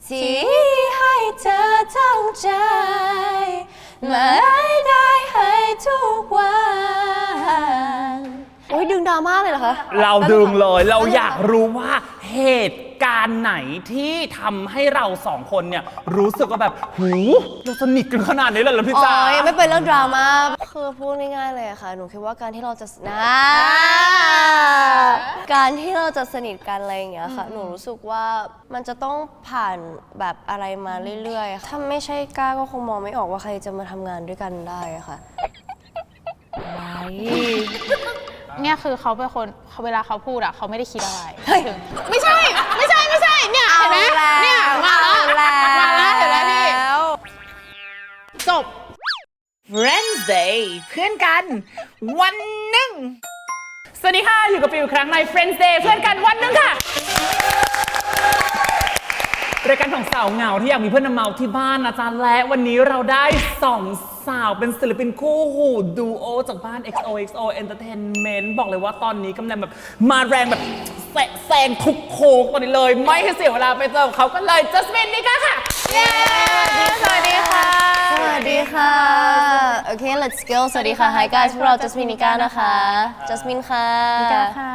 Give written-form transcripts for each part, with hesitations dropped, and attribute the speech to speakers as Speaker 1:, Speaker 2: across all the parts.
Speaker 1: ที่ให้เธอทั้งใจไม่ได้ให้ทุกวันโอ้ยดึงดราม่าเลยเหรอคะ
Speaker 2: เราดึงเลยเราอยากรู้ว่าเหตุการณ์ไหนที่ทำให้เราสองคนเนี่ยรู้สึกว่าแบบหูเราสนิทกันขนาดนี้เลยเหรอพี่จ๋า
Speaker 1: ไม่เป็นเรื่องดราม่าคือพูดง่ายๆเลยค่ะหนูคิดว่าการที่เราจะการที่เราจะสนิทกันอะไรอย่างเงี้ยค่ะหนูรู้สึกว่ามันจะต้องผ่านแบบอะไรมาเรื่อยๆถ้าไม่ใช่ก้าก็คงมองไม่ออกว่าใครจะมาทำงานด้วยกันได้ค่ะ
Speaker 3: เนี่ยคือเขาเป็นคนเวลาเขาพูดอะเขาไม่ได้คิดอะไรไม่ใช่เนี่ยเห็นไหมเนี่ยมาแล้วเห็นไหมพี่จบ
Speaker 2: Wednesday เพื่อนกันวันหนึ่งสวัสดีค่ะอยู่กับฟิวอีกครั้งใน Friends Day เพื่อนกันวันหนึ่งค่ะรายการของสาวเหงาที่อยากมีเพื่อนมาเมาที่บ้านนะจ๊ะและวันนี้เราได้2 สาวเป็นศิลปินคู่หูดูโอจากบ้าน XOXO Entertainment บอกเลยว่าตอนนี้กำลังแบบมาแรงแบบแซงทุกโค้งตอนนี้เลยไม่ให้เสียเวลาไปเจอเขากันเลยจัสมินนิก้าค่ะเย้
Speaker 1: สวัสดีค่ะโอเค let's go สวัสดีค่ะ Hi guys พวกเราจัสมินนิก้านะคะจัสมินค่ะ
Speaker 3: นิก้าค่ะ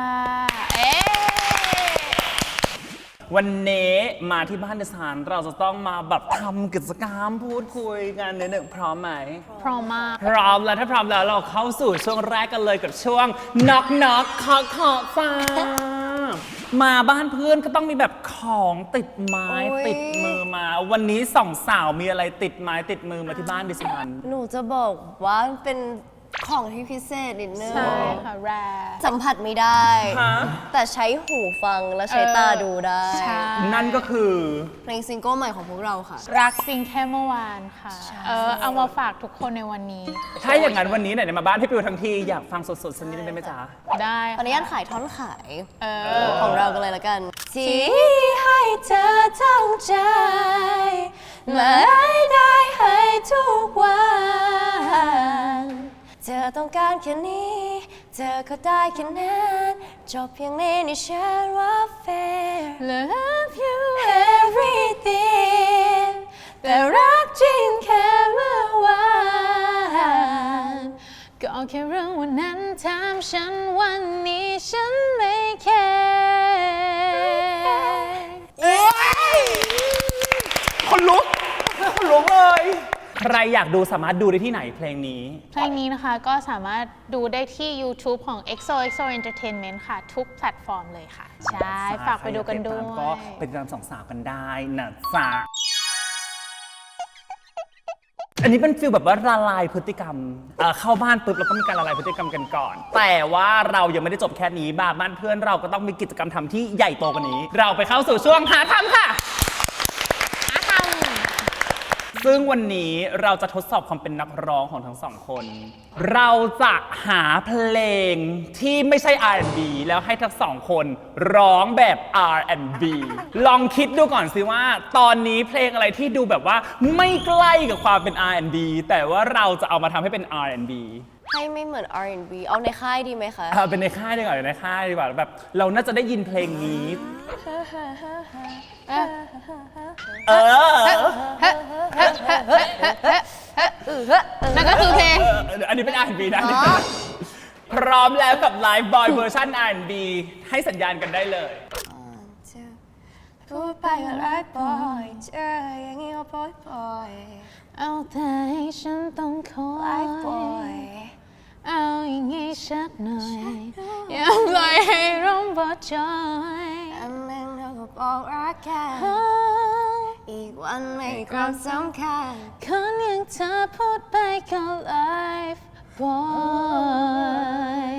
Speaker 2: วันนี้มาที่บ้านดิฉันเราจะต้องมาแบบทำกิจกรรมพูดคุยกันนิดหนึ่งพร้อมไหม
Speaker 3: พร้อมมาก
Speaker 2: พร้อมแล้วถ้าพร้อมแล้วเราเข้าสู่ช่วงแรกกันเลยกับช่วงน็อกเคาะฟ้ามาบ้านเพื่อนก็ต้องมีแบบของติดไม้ติดมือมาวันนี้2 สาวมีอะไรติดไม้ติดมือมาที่บ้านดิฉัน
Speaker 1: หนูจะบอกว่าเป็นของที่พิเศษนิดนึง
Speaker 3: ใช่ค่ะแร
Speaker 1: สัมผัสไม่ได้แต่ใช้หูฟังและใช้ตาดูได้
Speaker 2: นั่นก็คือ
Speaker 1: เพลงซิงเกิลใหม่ของพวกเราค่ะ
Speaker 3: รักจริงแค่เมื่อวานค่ะเอามาฝากทุกคนในวันนี้
Speaker 2: ถ้าอย่างนั้นวันนี้ไหนมาบ้านพี่ปิวทั้งทีอยากฟังสดๆสักนิดได้ไหมจ๊ะ
Speaker 3: ได้
Speaker 1: ตอนนี้ขายท่อนขายของเรากันเลยละกันที่ให้เธอทั้งใจไม่ได้ให้ทุกวันเธอต้องการแค่นี้เธอก็ได้แค่นั้นจบเพียงนี้นี่ฉันว่า fair love you everything แต่รักจริงแค่เมื่อวาน
Speaker 3: ก็แค่เรื่องวันนั้นถามฉันวันนี้ฉันไม่แคร์
Speaker 2: คนลุกเลยใครอยากดูสามารถดูได้ที่ไหนเพลงนี้
Speaker 3: นะคะก็สามารถดูได้ที่ YouTube ของ XOXO Entertainment ค่ะทุกแพลตฟอร์มเลยค่ะใช่ฝากไปดูกันด้วย
Speaker 2: ก็เป็นการ2 สาวกันได้นะจ๊ะอันนี้เป็นฟีลแบบว่าละลายพฤติกรรมเข้าบ้านปุ๊บแล้วก็มีการละลายพฤติกรรมกันก่อนแต่ว่าเรายังไม่ได้จบแค่นี้บ้านเพื่อนเราก็ต้องมีกิจกรรมทำที่ใหญ่โตกว่านี้เราไปเข้าสู่ช่วงหาทำค่ะซึ่งวันนี้เราจะทดสอบความเป็นนักร้องของทั้ง2 คนเราจะหาเพลงที่ไม่ใช่ R&B แล้วให้ทั้ง2 คนร้องแบบ R&B ลองคิดดูก่อนสิว่าตอนนี้เพลงอะไรที่ดูแบบว่าไม่ใกล้กับความเป็น R&B แต่ว่าเราจะเอามาทำให้เป็น R&B
Speaker 1: ให้ไม่เหมือน R&B เอาในค่ายดีไหมคะ
Speaker 2: เป็นในค่ายดีกว่าในค่ายดีกว่าแบบเราน่าจะได้ยินเพลงนี้
Speaker 3: นั่นก็คือเพลง
Speaker 2: อันนี้เป็น R&B นะพร้อมแล้วกับไลฟ์บอยเวอร์ชัน R&B ให้สัญญาณกันได้เลย
Speaker 1: พูดไปก็ไลฟ์บอยเจออย่างนี้ก็บอย
Speaker 3: เอาแต่ให้ฉันต้องคอย
Speaker 1: ไลฟ์บอย
Speaker 3: เอาอย่างงี้ชักหน่อยอย่าปล่อยให้ร่มบอจอย
Speaker 1: อันนึงเราก็บอกรักกันอีกวันไม่ความสำคัญ
Speaker 3: คนอย่างเธอพูดไปก็ไลฟ์บอย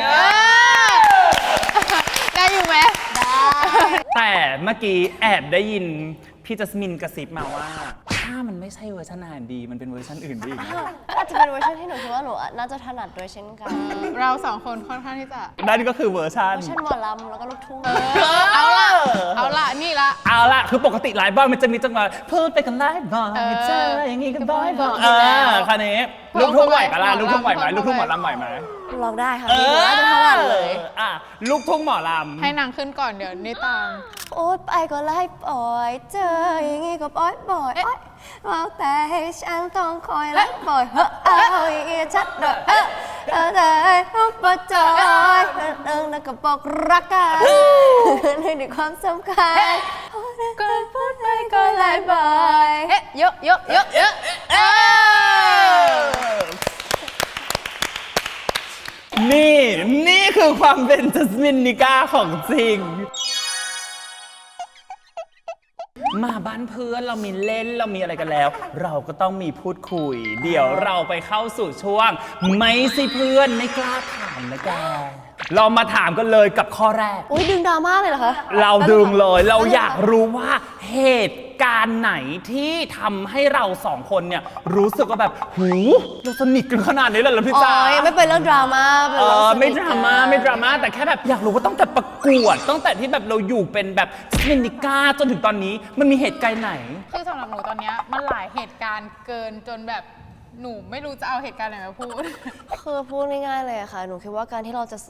Speaker 3: ได้อยู่ไหม
Speaker 1: ได้
Speaker 2: แต่เมื่อกี้แอบได้ยินพี่จัสมินกระซิบมาว่าถ้ามันไม่ใช่เวอร์ชันR&Bมันเป็นเวอร์ชันอื่นดี
Speaker 1: อาจจะเป็นเวอร์ชันที่หนูคิดว่าหนูน่าจะถนัดด้วยเช่นกัน
Speaker 3: เรา2 คนค่อนข้างที่จะ
Speaker 2: นั่นก็คือเวอร์ชัน
Speaker 1: หมอลำแล้วก็ลูกทุ่ง
Speaker 3: เอาละนี่ละ
Speaker 2: คือปกติไลฟ์บอยมันจะมีจังหวะพูดไปกันไลฟ์บอยเจออย่างงี้กันบอยคันนี้ลูกทุ่งไหวปะล่ะลูกทุ่งไหวไหมลูกทุ่งหมอลำไหวไหม
Speaker 1: ร้องได้ค่ะมีหัวจะทั้งวันเลย
Speaker 2: อ่ะลูกทุ่งหมอลำ
Speaker 3: ให้นางขึ้นก่อนเดี๋ยวนี่ตาม
Speaker 1: โอ๊ยไปก็ไล่ปล่อยเจออย่างงี้ก็ปล่อยโอ๊ยว่าแต่ให้ฉันต้องคอยไล่ปล่อยเอาอย่างงี้ชัดหน่อยแต่ให้ปะจอยแล้วก็บอกรักกันในความสำคัญก็พูดไปก็ไล่ปล่อย
Speaker 3: เยอะ
Speaker 2: นี่คือความเป็นจัสมินนิก้าของจริง มาบ้านเพื่อนเรามีเล่นเรามีอะไรกันแล้ว เราก็ต้องมีพูดคุย เดี๋ยวเราไปเข้าสู่ช่วงไม่สิเพื่อนไม่กล้าถามนะแกเรามาถามกันเลยกับข้อแรก
Speaker 1: อุ้ยดึงดราม่าเลยเหรอคะ
Speaker 2: เราดึงเลยเราอยากรู้ว่าเหตุการณ์ไหนที่ทำให้เราสองคนเนี่ยรู้สึกว่าแบบหูเราสนิทกันขนาดนี้เลยเหรอพี่จ๋า
Speaker 1: ไม่เป็นเรื่องดราม่า
Speaker 2: ไม่ดราม่าแต่แค่แบบอยากรู้ว่าตั้งแต่ประกวดตั้งแต่ที่แบบเราอยู่เป็นแบบจัสมินนิก้าจนถึงตอนนี้มันมีเหตุการณ์ไหน
Speaker 3: คือสำหรับหนูตอนนี้มันหลายเหตุการณ์เกินจนแบบหนูไม่รู้จะเอาเหตุการณ์ไหนมาพูด
Speaker 1: คือพูดง่ายๆเลยค่ะหนูคิดว่าการที่เราจะ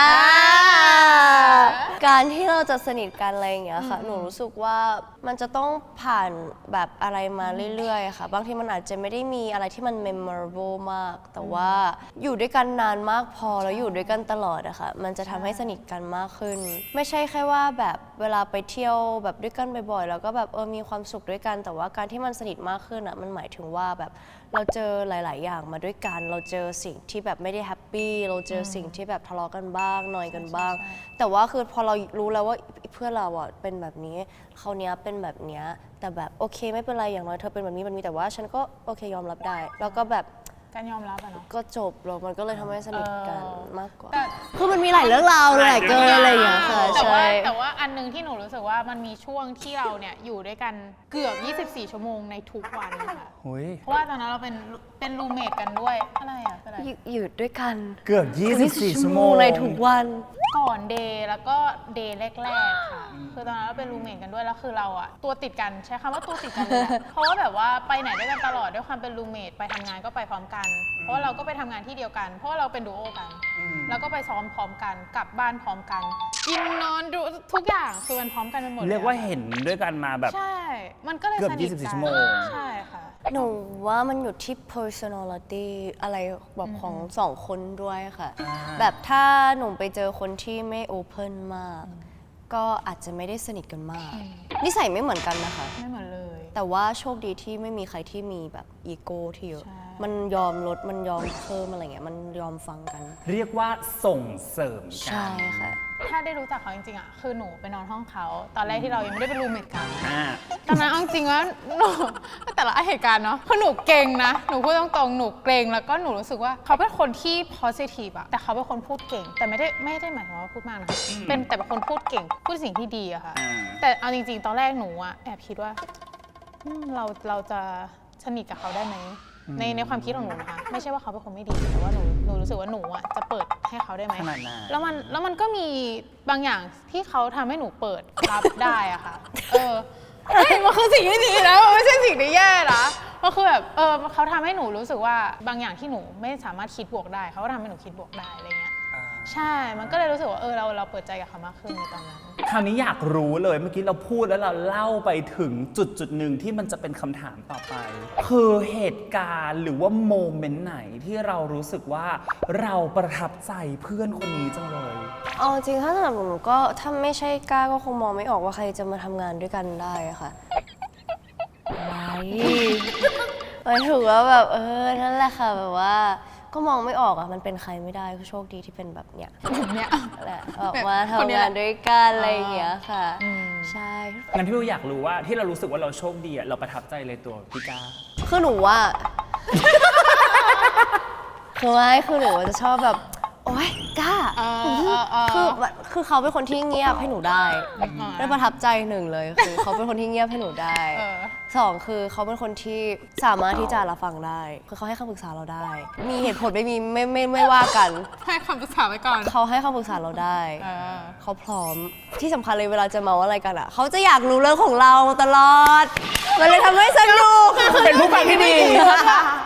Speaker 1: การที่เราจะสนิทกันอะไรอย่างเงี้ยค่ะหนูรู้สึกว่ามันจะต้องผ่านแบบอะไรมาเรื่อยๆค่ะบางทีมันอาจจะไม่ได้มีอะไรที่มัน memorable มากแต่ว่าอยู่ด้วยกันนานมากพอแล้วอยู่ด้วยกันตลอดอะค่ะมันจะทำให้สนิทกันมากขึ้นไม่ใช่แค่ว่าแบบเวลาไปเที่ยวแบบด้วยกันบ่อยๆแล้วก็แบบมีความสุขด้วยกันแต่ว่าการที่มันสนิทมากขึ้นอะมันหมายถึงว่าแบบเราเจอหลายๆอย่างมาด้วยกันเราเจอสิ่งที่แบบไม่ได้แฮปปี้เราเจอสิ่งที่แบบทะเลาะกันบ้างนอยกันบ้างแต่ว่าคือพอเรารู้แล้วว่าเพื่อนเราอ่ะเป็นแบบนี้เขาเนี้ยเป็นแบบเนี้ยแต่แบบโอเคไม่เป็นไรอย่างน้อยเธอเป็นแบบนี้แต่ว่าฉันก็โอเคยอมรับได้แล้วก็แบบ
Speaker 3: การยอมรับอะเนาะ
Speaker 1: ก็จบแล้วมันก็เลยทำให้สนิทกันมากกว่าคือมันมีหลายเรื่องราวเลยเกินอะไรอย่างเงี้ยค่ะใช่
Speaker 3: แต่ว่าอันนึงที่หนูรู้สึกว่ามันมีช่วงที่เราเนี่ยอยู่ด้วยกันเกือบ24 ชั่วโมงในทุกวันค่ะเพราะว่าตอนนั้นเราเป็นรูเมทกันด้วยอะไรอะเป็นอะไร
Speaker 1: อยู่ด้วยกัน
Speaker 2: เกือบ24 ชั่วโมง
Speaker 1: ในทุกวัน
Speaker 3: ก่อนเดย์แล้วก็เดย์แรกๆค่ะคือตอนนั้นเราเป็นรูเมทกันด้วยแล้วคือเราอะตัวติดกันใช้คำว่าตัวติดกันเลยเพราะว่าแบบว่าไปไหนด้วยกันตลอดด้วยความเป็นรูเมทไปทำงานก็ไปพร้อมกันเพราะเราก็ไปทำงานที่เดียวกันเพราะว่าเราเป็นดูโอกันแล้วก็ไปซ้อมพร้อมกันกลับบ้านพร้อมกันกินนอนดูทุกอย่างคือมันพร้อมกันไปหมด
Speaker 2: เรียกว่าเห็นด้วยกันมาแบบ
Speaker 3: ใช่มันก็เลย
Speaker 2: เกือบ24 ชั่วโมง
Speaker 3: ใช่ค่ะ
Speaker 1: หนูว่ามันอยู่ที่ personality อะไรแบบของสองคนด้วยค่ะแบบถ้าหนูไปเจอคนที่ไม่ open มากก็อาจจะไม่ได้สนิทกันมากนิสัยไม่เหมือนกันนะคะ
Speaker 3: ไม่เหมือนเลย
Speaker 1: แต่ว่าโชคดีที่ไม่มีใครที่มีแบบอีโก้ที่เยอะมันยอมลดมันยอมเพิ่มอะไรเงี้ยมันยอมฟังกัน
Speaker 2: เรียกว่าส่งเสริมกัน
Speaker 1: ใช่ค่ะ
Speaker 3: ถ้าได้รู้จักเขาจริงๆอ่ะคือหนูไปนอนห้องเขาตอนแรกที่เรายังไม่ได้เป็นรูมเมทกันตอนนั้นเอาจริงว่าหนูแต่ละเหตุการณ์เนาะคือหนูเก่งนะหนูพูดตรงๆหนูเกรงแล้วก็หนูรู้สึกว่าเขาเป็นคนที่ positive อะแต่เขาเป็นคนพูดเก่งแต่ไม่ได้หมายถึงว่าพูดมากนะเป็นแต่เป็นคนพูดเก่งพูดสิ่งที่ดีอะค่ะแต่เอาจริงๆตอนแรกหนูอะแอบคิดว่าเราจะสนิทกับเขาได้ไหมในความคิดของหนูนะคะไม่ใช่ว่าเขาเป็นคนไม่ดีแต่ว่าหนูรู้สึกว่าหนูอ่ะจะเปิดให้เขาได้ไหมแล้วมันก็มีบางอย่างที่เขาทำให้หนูเปิดรับได้อะค่ะมันคือสิ่งที่ดีนะมันไม่ใช่สิ่งที่แย่นะมันคือแบบเขาทำให้หนูรู้สึกว่าบางอย่างที่หนูไม่สามารถคิดบวกได้เขาก็ทำให้หนูคิดบวกได้อะไรเงี้ยใช่มันก็เลยรู้สึกว่าเราเปิดใจกับเขามากขึ้นในตอนนั้น
Speaker 2: คราวนี้อยากรู้เลยเมื่อกี้เราพูดแล้วเราเล่าไปถึงจุดหนึ่งที่มันจะเป็นคำถามต่อไปคือเหตุการณ์หรือว่าโมเมนต์ไหนที่เรารู้สึกว่าเราประทับใจเพื่อนคนนี้จังเลย
Speaker 1: จริงถ้าสำหรับหนูก็ถ้าไม่ใช่กล้าก็คงมองไม่ออกว่าใครจะมาทำงานด้วยกันได้ค่ะอะไรถือว่าแบบนั่นแหละค่ะแบบว่าก็มองไม่ออกมันเป็นใครไม่ได้ก็โชคดีที่เป็นแบบเนี้ยแหละออกมาทำงานด้วยกันอะไรอย่างเงี้ยค่ะใช่
Speaker 2: งั้นพี่วิวอยากรู้ว่าที่เรารู้สึกว่าเราโชคดีเราประทับใจเลยตัวพี่ก้า
Speaker 1: คือหนูว่าคือหนูจะชอบแบบโอ๊ยก้าคือเขาเป็นคนที่เงียบให้หนูได้ประทับใจหนึ่งเลยคือเขาเป็นคนที่เงียบให้หนูได้สองคือเขาเป็นคนที่สามารถที่จะรับฟังได้คือเขาให้คำปรึกษาเราได้มีเหตุผลไม่มีไม่ว่ากัน
Speaker 3: ให้คำปรึกษาไว้ก่อน
Speaker 1: เขาให้คำปรึกษาเราได้เขาพร้อมที่สำคัญเลยเวลาจะเมาอะไรกันอ่ะเขาจะอยากรู้เรื่องของเราตลอดมันเลยทำให้สนุก
Speaker 2: เป็นผู้ฟังที่ดี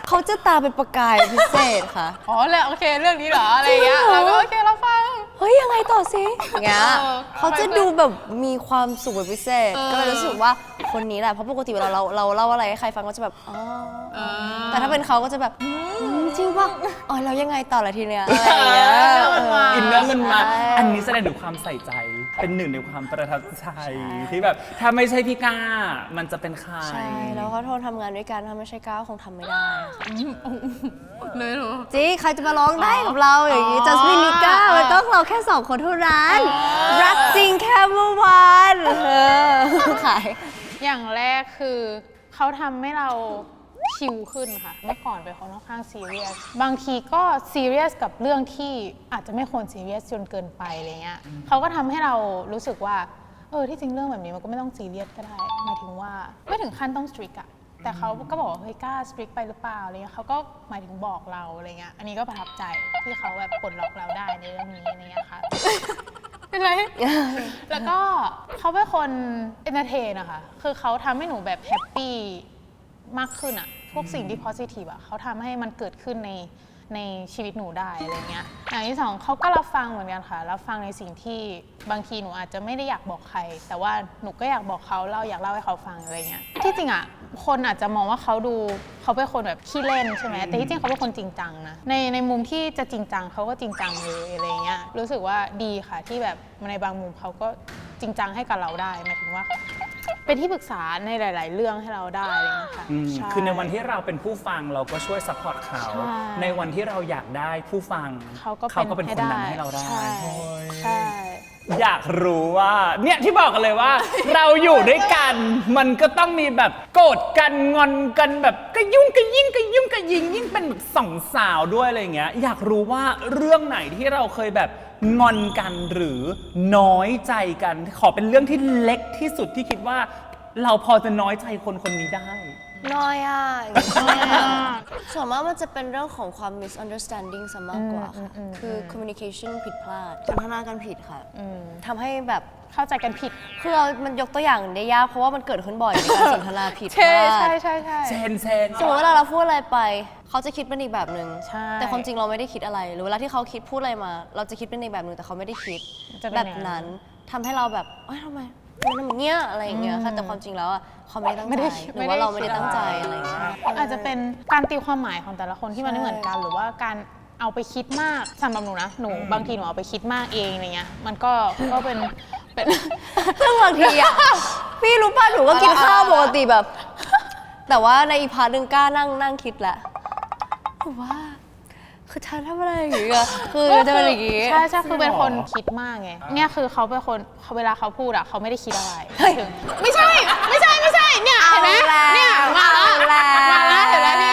Speaker 1: เขาจะตาเป็นประกายพิเศษค่ะ
Speaker 3: อ๋อเลยโอเคเรื่องนี้เหรออะไรอย่างเงี้ยเราก็โอเคเราฟัง
Speaker 1: เฮ้ยยังไงต่อสิอย่างเงี้ย
Speaker 3: เออ
Speaker 1: เขาจะดูแบบมีความสุขเป็นพิเศษ
Speaker 3: เออ
Speaker 1: ก็เลยรู้สึกว่าคนนี้แหละเพราะปกติเวลาเราเล่าอะไรให้ใครฟังก็จะแบบอ๋อ แต่ถ้าเป็นเขาก็จะแบบจริงป่ะอ๋อแล้วยังไงต่อละทีเนี้ยอะไรอย่างเงี้ย
Speaker 2: อินเนอร์มันมา
Speaker 1: ใช่
Speaker 2: อันนี้แสดงถึงความใส่ใจ เป็นหนึ่งในความประทับใจที่แบบถ้าไม่ใช่พี่ก้ามันจะเป็นใคร
Speaker 1: ใช่แล้วเขาโทรทำงานด้วยกันถ้าไม่ใช่ก้าวคงทำไม่ได้ค่ะ
Speaker 3: เลยเหรอ
Speaker 1: จริงใครจะมาร้องได้กับเราอย่างนี้จัสมินนิก้ามันต้องเราแค่2 คนเท่านั้นรักจริงแค่เมื่อวานขาย
Speaker 3: อย่างแรกคือเขาทำให้เราชิลขึ้นค่ะเมื่อก่อนเป็นคนค่อนข้างซีเรียสบางทีก็ซีเรียสกับเรื่องที่อาจจะไม่ควรซีเรียสจนเกินไปอะไรเงี้ยเขาก็ทำให้เรารู้สึกว่าที่จริงเรื่องแบบนี้มันก็ไม่ต้องซีเรียสก็ได้หมายถึงว่าไม่ถึงขั้นต้องสตริกอะแต่เขาก็บอกว่าเฮ้ยกล้าสตริกไปหรือเปล่าอะไรเงี้ยเขาก็หมายถึงบอกเราอะไรเงี้ยอันนี้ก็ประทับใจที่เขาแบบปลดล็อกเราได้ในเรื่องนี้อะไรเงี้ยค่ะ เป็นไร แล้วก็เขาเป็นคนเอนเตอร์เทนนะคะคือเขาทำให้หนูแบบแฮปปี้มากขึ้นอะพวกสิ่งที่ positive อะเขาทำให้มันเกิดขึ้นในชีวิตหนูได้อะไรเงี้ยอย่างที่สองเขาก็รับฟังเหมือนกันค่ะรับฟังในสิ่งที่บางทีหนูอาจจะไม่ได้อยากบอกใคร แต่ว่าหนูก็อยากบอกเขาเราอยากเล่าให้เขาฟังอะไรเงี้ยที่จริงอะคนอาจจะมองว่าเขาเป็นคนแบบขี้เล่นใช่ไหมแต่ที่จริงเขาเป็นคนจริงจังนะในมุมที่จะจริงจังเขาก็จริงจังเลยอะไรเงี้ยรู้สึกว่าดีค่ะที่แบบในบางมุมเขาก็จริงจังให้กับเราได้หมายถึงว่าเป็นที่ปรึกษาในหลาย ๆ เรื่องให้เราได้อะไรเงี้ยค่ะใช่
Speaker 2: คือในวันที่เราเป็นผู้ฟังเราก็ช่วยซัพพอร์ตเขา
Speaker 3: ใช่
Speaker 2: ในวันที่เราอยากได้ผู้ฟัง
Speaker 3: เขาก็
Speaker 2: เป็นคนนั้นให้เราได้
Speaker 3: ใช่
Speaker 2: โอ้ย
Speaker 3: ใช่
Speaker 2: อยากรู้ว่าเนี่ยที่บอกกันเลยว่า เราอยู่ด้วยกันมันก็ต้องมีแบบโกรธกันงอนกันแบบก็ยุ่งก็ยิ่งก็ยุ่งก็ยิงยิ่งเป็นแบบสองสาวด้วยอะไรอย่างเงี้ยอยากรู้ว่าเรื่องไหนที่เราเคยแบบงอนกันหรือน้อยใจกันขอเป็นเรื่องที่เล็กที่สุดที่คิดว่า เราพอจะน้อยใจคนคนนี้ได้
Speaker 1: น้อยอ่ะส่วนมากมันจะเป็นเรื่องของความ misunderstanding ซะมากกว่าค่ะคือ communication ผิดพลาดสนทนากันผิดค่ะทำให้แบบ
Speaker 3: เข้าใจกันผิด
Speaker 1: คือมันยกตัวอย่างได้ยากเพราะว่ามันเกิดขึ้นบ่อยในการสนทนาผิดพ
Speaker 3: ใช่
Speaker 1: ลา
Speaker 3: ใช่
Speaker 1: ด
Speaker 3: ใช่ใช่
Speaker 2: เซน
Speaker 1: สมมติเวลาเราพูดอะไรไป เขาจะคิดเป็นอีกแบบหนึ่ง
Speaker 3: ใช่
Speaker 1: แต่ความจริงเราไม่ได้คิดอะไร หรือเวลาที่เขาคิดพูดอะไรมา เราจะคิดเป็นอีกแบบหนึ่งแต่เขาไม่ได้คิด
Speaker 3: จะเป็น
Speaker 1: แบบ
Speaker 3: อย่างนั้น
Speaker 1: นั้นทำให้เราแบบเอ้ยทำไมมันทำอย่างเงี้ยอะไรอย่างเงี้ยค่ะแต่ความจริงแล้วอ่ะเขาไม่ได้ตั้งใจหรือว่าเราไม่ได้ตั้งใจอะไรอย่างเงี้ย
Speaker 3: อาจจะเป็นการตีความหมายของแต่ละคนที่มันไม่เหมือนกัน หรือว่าการเอาไปคิดมากสำหรับหนูนะหนูบางทีหนูเอาไปคิดมากเองอะไรเงี้ยมันก็เป็น
Speaker 1: ซึ่งบางทีอ่ะ พี่รู้ป่ะหนูก็กินข้าวปกติแบบ แต่ว่าในอีกพาร์ทหนึ่งกล้านั่งคิดแหละหนูว่า คือฉันทำอะไรอย่างเงี้ยคือจะเป็นอย่างงี้
Speaker 3: ใช่ใช่คือเป็นคนคิดมากไงเนี่ยคือเขาเป็นคนเวลาเขาพูดอะเขาไม่ได้คิดอะไรถึงไม่ใช่เนี่ยเห็นไหมเนี่ยมาแล้วเห็นไหมพี่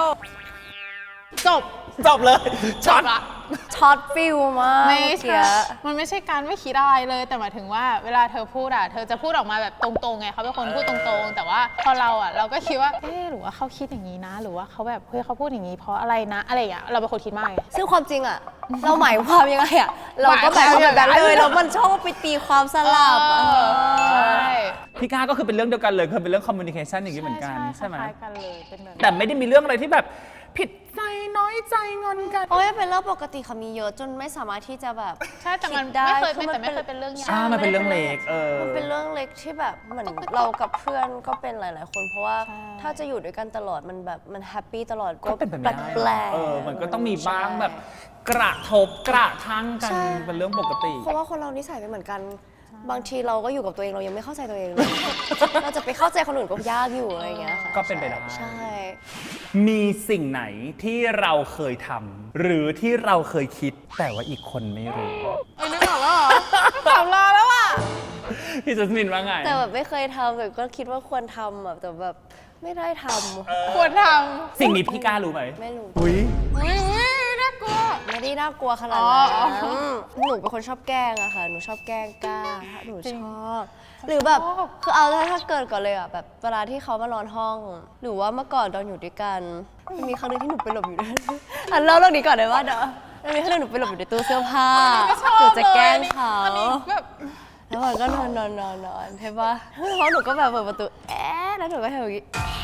Speaker 3: จบ
Speaker 2: เลยช็อต
Speaker 3: ละ
Speaker 1: ช็อตฟิลมาก
Speaker 3: ไม่
Speaker 1: เมื่อ
Speaker 3: ใช่
Speaker 1: กี้
Speaker 3: มันไม่ใช่การไม่คิดอะไรเลยแต่หมายถึงว่าเวลาเธอพูดอะเธอจะพูดออกมาแบบตรงๆไงเขาเป็นคนพูดตรงๆแต่ว่าพอเราอะเราก็คิดว่าหรือว่าเขาคิดอย่างนี้นะ หรือว่าเขาแบบเฮ้ยเขาพูดอย่างนี้เพราะอะไรนะอะไรอย่างเงี้ยเราเป็นคนคิดมากไง
Speaker 1: ซึ่งความจริงอ่ะ เราหมายความยังไงอ่ะ เราก็หมายความแบบนั้นเลยแล้วมันชอบไปตีความสลับ
Speaker 3: ใช่
Speaker 2: พี่ก้าก็คือเป็นเรื่องเดียวกันเลยคือเป็นเรื่องคอมมูนิเคชันอย่างนี้เหมือนกันใช่ไหม
Speaker 3: คล้ายๆกันเลยเป็นแบบ
Speaker 2: แต่ไม่ได้มีเรื่องอะไรที่แบบผิดใจน้อยใจงอนกัน
Speaker 1: โอ้ยเป็นเรื่องปกติค่ะมีเยอะจนไม่สามารถที่จะแบบ
Speaker 3: ใช่แต่มัน
Speaker 1: คิดได้
Speaker 3: ไม่เคย
Speaker 1: คือ
Speaker 3: แต่ไม่เคยเป็นเรื่องใหญ่
Speaker 2: มันเป็นเรื่องเล็ก
Speaker 1: มันเป็นเรื่องเล็กที่แบบเหมือนเรากับเพื่อนก็เป็นหลาย ๆ คนเพราะว่าถ้าจะอยู่ด้วยกันตลอดมันแบบมันแฮปปี้ตลอด
Speaker 2: ก็เป็นไปไม่ได้
Speaker 1: แปลกๆ
Speaker 2: มันก็ต้องมีบ้างแบบกระทบกระทั่งกัน
Speaker 1: ใช่
Speaker 2: เป็นเรื่องปกติ
Speaker 1: เพราะว่าคนเรานิสัยไม่เหมือนกัน บางทีเราก็อยู่กับตัวเองเรายังไม่เข้าใจตัวเองเลย เราจะไปเข้าใจคนอื่นก็ยากอยู่อะไรอย่างเงี้ยค่ะ
Speaker 2: ก็เป็นไปได้
Speaker 1: ใช่
Speaker 2: มีสิ่งไหนที่เราเคยทำหรือที่เราเคยคิดแต่ว่าอีกคนไม่รู้
Speaker 3: นึกออกแล้วเหรอถามรอแล้วอ่ะ
Speaker 2: พี่จัสมินว่าไง
Speaker 1: แต่แบบไม่เคยทำแต่ก็คิดว่าควรทำแบบแต่แบบไม่ได้ท
Speaker 3: ควรท
Speaker 2: สิ่งนี้พี่ก้ารู้ไหม
Speaker 1: ำไม่รู้
Speaker 2: อุ้ย
Speaker 3: ำน่ากลัว
Speaker 1: ไม่ได้น่ากลัวขนาด
Speaker 3: อ๋
Speaker 1: นั้น
Speaker 3: อ
Speaker 1: หนูเป็นคนชอบแกล้งอะค่ะหนูชอบแกล้งกล้าหนู
Speaker 3: จริ
Speaker 1: ช
Speaker 3: ง
Speaker 1: อบหรือแบบคือเอาถ้าเกิดก่อนเลยอะแบบเวลาที่เขามานอนห้อง หรือว่าเมื่อก่อนตอนอยู่ด้วยกันมีครั้งหนึงที่หนูไปหลบอยู่ด้วยอันเล่าเรื่องนี้ก่อนได้ว่าเด้อมันมีครั้งหนึงหนูไปหลบอยู่ในตู้เสื้อผ้า
Speaker 3: ไม่ชอบ
Speaker 1: หนูจะแกล้ง
Speaker 3: เลย
Speaker 1: เขา
Speaker 3: อันนี้แบบ
Speaker 1: แล้วมันก็นอนใช่ปะแล้วหนูก็แบบเปิดประตูแล้วหนูก็ทำอย่างนี้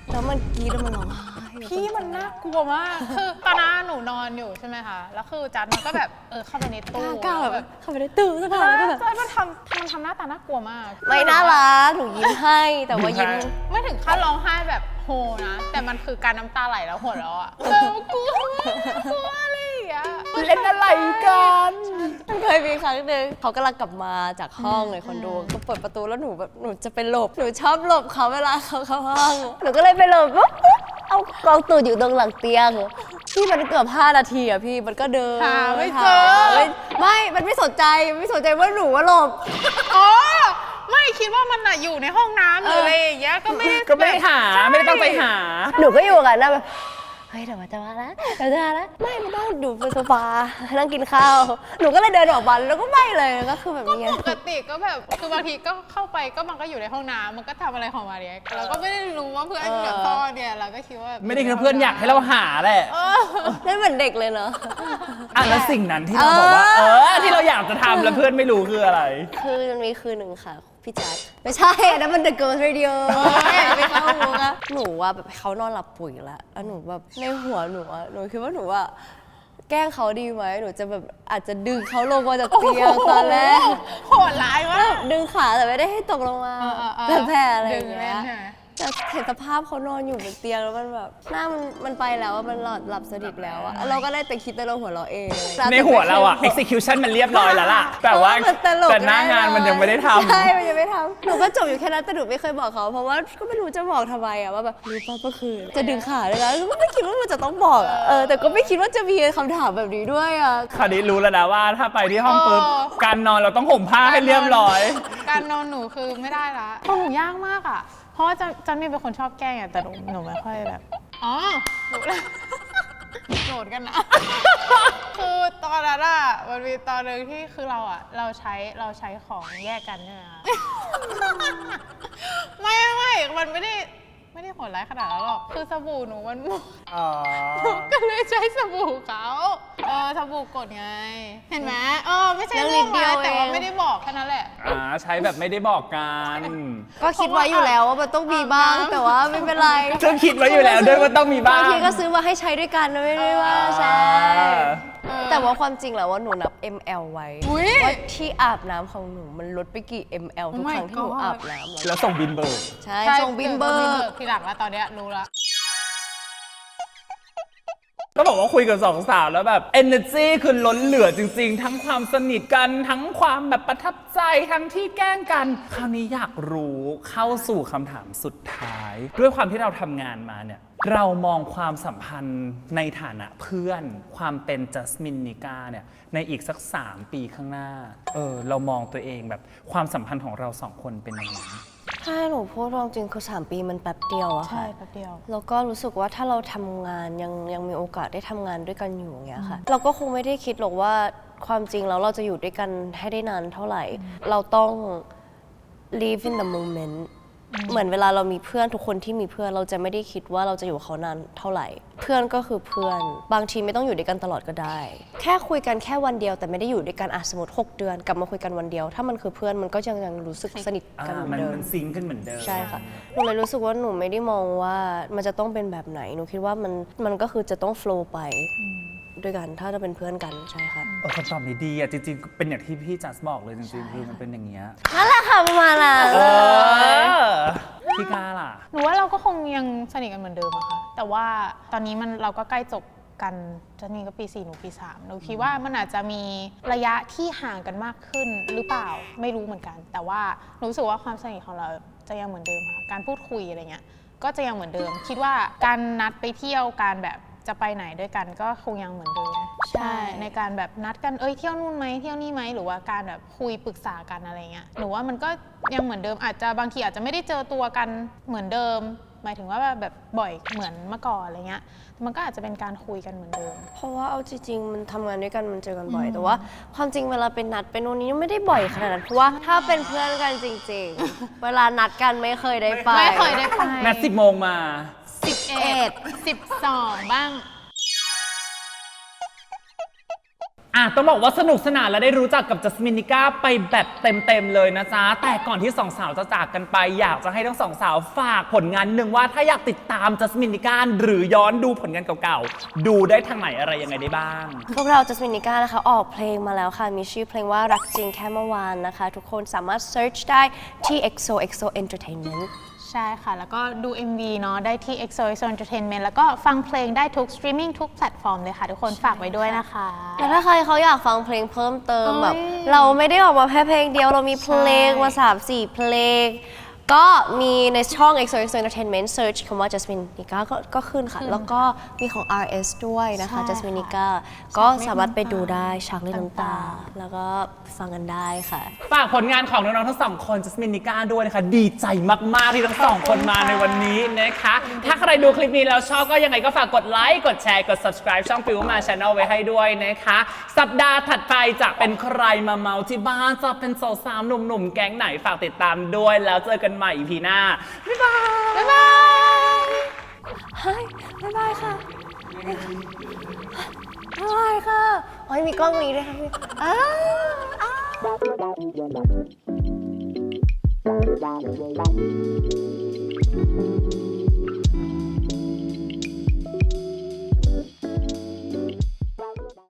Speaker 1: แล้วมันกรี๊ดแล้วมันร้องไห้
Speaker 3: พี่มันน่ากลัวมาก คือตอนนั้นหนูนอนอยู่ใช่ไหมคะ แล้วคือจัดมันก็แบบเข้าไปในตู้
Speaker 1: กล้าแบบเข้าไปในตู้สักพักแล้วก็แบบ
Speaker 3: จัดมันทำหน้าตาน่ากลัวมาก
Speaker 1: ไม่น่ารักหนูยิ้มให้แต่ว่ายิ้ม
Speaker 3: ไม่ถึงขั้นร้องไห้แบบโฮนะ แต่มันคือการน้ำตาไหลแล้วหัวเราะอะแบบกลัวอะไรอย่างเงี้ย
Speaker 2: เล่นอะไรกัน
Speaker 1: มันเคยมีครั้งหนึ่งเขากำลังกลับมาจากห้องเลยคอนโดก็เปิดประตูแล้วหนูแบบหนูจะไปหลบหนูชอบหลบเขาเวลาเขาเข้าห้องหนูก็เลยไปหลบปุ๊บเอากองตูดอยู่ตรงหลังเตียงพี่มันเกือบ5 นาทีอะพี่มันก็เดิน
Speaker 3: หาไม่เจอ
Speaker 1: ไม่มันไม่สนใจว่าหนูว่าหลบ
Speaker 3: อ๋อ ไม่คิดว่ามันอะอยู่ในห้องน้ำหรืออะไรอย่างเงี้ย ก็ไม่ได้
Speaker 2: ก็ไม่ได้หาไม่ได้ตั้งใจหา
Speaker 1: หนูก็อยู่กันนะแบบเฮ้ยเดี๋ยวมันจะมาแล้วไม่มันต้องอยู่บนโซฟานั่งกินข้าวหนูก็เลยเดินออกมาแล้วก็ไม่เลยก็คือแบบนี้
Speaker 3: ปกติก็แบบคือบางทีก็เข้าไปก็มันก็อยู่ในห้องน้ำมันก็ทำอะไรของมันเนี่ยเราก็ไม่ได้รู้ว่าเพื่อนแบบซ่อนเนี่ยเราก็คิดว่า
Speaker 2: ไม่ได้คิดว่าเพื่อนอยากให้เราหาแหละ
Speaker 1: นั่นเหมือนเด็กเลยเนาะ
Speaker 2: แล้วสิ่งนั้นที่เราบอกว่าที่เราอยากจะทำแล้วเพื่อนไม่รู้คืออะไร
Speaker 1: คือมันมีคืนหนึ่งค่ะพี่จัดไม่ใช่อันนั้นมัน The Girls Radio ไม่เข้ามุกอะหนูว่าแบบเขานอนหลับปุ๋ยแล้วหนูแบบในหัวหนูหนูคิดว่าหนูว่าแกล้งเขาดีไหมหนูจะแบบอาจจะดึงเขาลงมาจากเตียงตอนแรก
Speaker 3: โหดร้ายมาก
Speaker 1: ดึงขาแต่ไม่ได้ให้ตกลงมาแบบแผลอะไรอย่าง
Speaker 3: ดึง
Speaker 1: เงี้
Speaker 3: เล่น
Speaker 1: ย
Speaker 3: ใช่ไหม
Speaker 1: แต่เห็นสภาพเขานอนอยู่บนเตียงแล้วมันแบบหน้ามันไปแล้วอะมันหลับสนิทแล้วอะเราก็ได้แต่คิดแต่เราหัวเราะเอง
Speaker 2: ในหัวเราอะ execution มันเรียบร้อยแล้วล่ะแต่ว่า
Speaker 1: มันตลก
Speaker 2: แต่หน้างานมันยังไม่ได้ทำ
Speaker 1: ใช่มันยังไม่ทำหนูก็จบอยู่แค่นั้นแต่หนูไม่เคยบอกเขาเพราะว่าก็ไม่รู้จะบอกทำไมอะว่าแบบรู้ป่ะเมื่อคืนจะดึงขาเลยนะก็ไม่คิดว่ามันจะต้องบอกอะแต่ก็ไม่คิดว่าจะมีคำถามแบบนี้ด้วยอะ
Speaker 2: คราวนี้รู้แล้วนะว่าถ้าไปที่ห้องปุ๊บการนอนเราต้องห่มผ้าให้เรียบร้อย
Speaker 3: การนอนหนูคือไม่ได้ละของหนูยากมากอ่ะ เพราะว่าจันมีเป็นคนชอบแกล้งอ่ะแต่หนูไม่ค่อยแบบ อ๋อหนูเลยโกรธกันนะ คือตอนนั้นอ่ะมันมีตอนหนึ่งที่คือเราใช้ของแยกกันใช่ไหมคะ ไม่มันไม่ได้โหดร้ายขนาดนั้นหรอก คือสบู่หนูมันหมด หนูก็เลยใช้สบู่เขาสบู่กดไง เห็นไหมไม่ใช่เรื่องร้ายแต่ว่าไม่ได้บอกแค่นั้นแหละ
Speaker 2: ใช้แบบไม่ได้บอกกัน
Speaker 1: ก็คิดไว้อยู่แล้วว่ามันต้องมีบ้างแต่ว่าไม่เป็นไร
Speaker 2: ซึ่งคิดไว้อยู่แล้วด้วยว่าต้องมีบ้าง
Speaker 1: บางทีก็ซื้อมาให้ใช้ด้วยกันนะไม่ได้ว่าใช่แต่ว่าความจริงแล้วว่าหนูนับ ml ไว้
Speaker 3: อุ๊ย
Speaker 1: ว่าที่อาบน้ำของหนูมันลดไปกี่ ml ทุก
Speaker 3: Oh my
Speaker 1: ครั้งที่หนู
Speaker 3: God
Speaker 1: อาบน้ำ
Speaker 2: แล้วส่งบินเบิร์ก
Speaker 1: ใช่ส่งบินเบอร์
Speaker 3: ทีหลังแล้วตอนเนี้ยรู้ละ
Speaker 2: ก็บอกว่าคุยกับสองสาวแล้วแบบ energy คือล้นเหลือจริงๆ ทั้งความสนิทกันทั้งความแบบประทับใจทั้งที่แกล้งกัน คราวนี้อยากรู้เข้าสู่คำถามสุดท้าย ด้วยความที่เราทำงานมาเนี่ยเรามองความสัมพันธ์ในฐานะเพื่อนความเป็นจัสมินนิกาเนี่ยในอีกสัก3 ปีข้างหน้าเรามองตัวเองแบบความสัมพันธ์ของเรา2 คนเป็นยังไง
Speaker 1: ถ้าหนูพูดตรงจริงคือ3 ปีมันแป๊บเดียวอะ
Speaker 3: ใช่
Speaker 1: ค่ะ
Speaker 3: แป๊บเดียว
Speaker 1: แล้วก็รู้สึกว่าถ้าเราทำงานยังมีโอกาสได้ทำงานด้วยกันอยู่อย่างเงี้ยค่ะ เราก็คงไม่ได้คิดหรอกว่าความจริงแล้วเราจะอยู่ด้วยกันให้ได้นานเท่าไหร่ เราต้อง live in the moment เหมือนเวลาเรามีเพื่อนทุกคนที่มีเพื่อนเราจะไม่ได้คิดว่าเราจะอยู่เขานานเท่าไหร่ เพื่อนก็คือเพื่อนบางทีไม่ต้องอยู่ด้วยกันตลอดก็ได้ แค่คุยกันแค่วันเดียวแต่ไม่ได้อยู่ด้วยกันสมมติ6 เดือนกลับมาคุยกันวันเดียว ถ้ามันคือเพื่อนมันก็ยังรู้สึกสนิทกันเหมือนเดิม
Speaker 2: มันซิงค์กันเหมือนเดิม
Speaker 1: ใช่ค่ะ หนูเลยรู้สึกว่าหนูไม่ได้มองว่ามันจะต้องเป็นแบบไหน หนูคิดว่ามันก็คือจะต้องโฟลว์ไปด้วยกัน ถ้าจะเป็นเพื่อนกันใช่ค่ะ
Speaker 2: คำตอบนี้ดีอ่ะจริงๆ เป็นอย่างที่พี่จัสบอกเลยจริงๆ คือมันเป็นอย่างเงี้ย
Speaker 1: นั่นแหละค่ะประมาณนั้น
Speaker 2: พี่กาล่ะ
Speaker 3: หนูว่าเราก็คงยังสนิทกันเหมือนเดิมอะค่ะ แต่ว่าตอนนี้เราก็ใกล้จบกันจะมีก็ปี 4 หนูปี 3 หนูคิดว่ามันอาจจะมีระยะที่ห่างกันมากขึ้นหรือเปล่าไม่รู้เหมือนกัน แต่ว่าหนูรู้สึกว่าความสนิทของเราจะยังเหมือนเดิมค่ะ การพูดคุยอะไรเงี้ยก็จะยังเหมือนเดิม คิดว่าการนัดไปเที่ยวการแบบจะไปไหนด้วยกันก็คงยังเหมือนเดิม
Speaker 1: ใช่
Speaker 3: ในการแบบนัดกันเที่ยวนู่นไหมเที่ยวนี่ไหมหรือว่าการแบบคุยปรึกษากันอะไรเงี้ยหนูว่ามันก็ยังเหมือนเดิมอาจจะบางทีอาจจะไม่ได้เจอตัวกันเหมือนเดิม หมายถึงว่าแบบบ่อยเหมือนเมื่อก่อนอะไรเงี้ยมันก็อาจจะเป็นการคุยกันเหมือนเดิม
Speaker 1: เพราะว่าเอาจริงๆมันทำงานด้วยกันมันเจอกันบ่อย แต่ว่าความจริงเวลาเป็นนัดเป็นโน่นนี้ไม่ได้บ่อยขนาดนั้นเพราะว่าถ้าเป็นเพื่อนกันจริงๆ เวลานัดกันไม่เคยได้ไป
Speaker 3: ไม่เคยได้ไป
Speaker 2: นัด10 โมงมา
Speaker 3: 11 12 บ้าง
Speaker 2: ต้องบอกว่าสนุกสนานและได้รู้จักกับจัสมินนิก้าไปแบบเต็มๆเลยนะจ๊ะแต่ก่อนที่สองสาวจะจากกันไปอยากจะให้ทั้งสองสาวฝากผลงานหนึ่งว่าถ้าอยากติดตามจัสมินนิก้าหรือย้อนดูผลงานเก่าๆดูได้ทางไหนอะไรยังไงได้บ้าง
Speaker 1: พวกเราจัสมินนิก้านะคะออกเพลงมาแล้วค่ะมีชื่อเพลงว่ารักจริงแค่เมื่อวานนะคะทุกคนสามารถ search ได้ที่ XOXO Entertainment
Speaker 3: ใช่ค่ะ แล้วก็ดู MV เนาะได้ที่ XOXO Entertainment แล้วก็ฟังเพลงได้ทุกสตรีมมิ่งทุกแพลตฟอร์มเลยค่ะทุกคนฝากไว้ด้วยนะคะ
Speaker 1: แล้วถ้าใครเขาอยากฟังเพลงเพิ่มเติมแบบเราไม่ได้ออกมาแค่เพลงเดียวเรามีเพลงมา3-4 เพลงก็มีในช่อง XOXO Entertainment Search คำว่า Jasmine Nika ก็ขึ้นค่ะ แล้วก็มีของ RS ด้วยนะคะ Jasmine Nika ก็สามารถไปดูได้ฉากเล่นน้ำตา แล้วก็ฟังกันได้ค่ะ
Speaker 2: ฝากผลงานของน้องๆทั้งสองคนจัสมินนิก้าด้วยนะคะดีใจมากๆที่ทั้งสองคนมาในวันนี้นะคะถ้าใครดูคลิปนี้แล้วชอบก็ยังไงก็ฝากกดไลค์กดแชร์กด subscribe ช่องฟิวมา Channel ไว้ให้ด้วยนะคะสัปดาห์ถัดไปจะเป็นใครมาเมาที่บ้านจะเป็นสาวๆหนุ่มๆแก๊งไหนฝากติดตามด้วยแล้วเจอกันใหม่ EP หน้าบ๊ายบาย
Speaker 1: บ๊ายบายบ๊ายบายค่ะบ๊ายบายค่ะโอ้ยมีกล้องนี้ด้วยค่ะพี่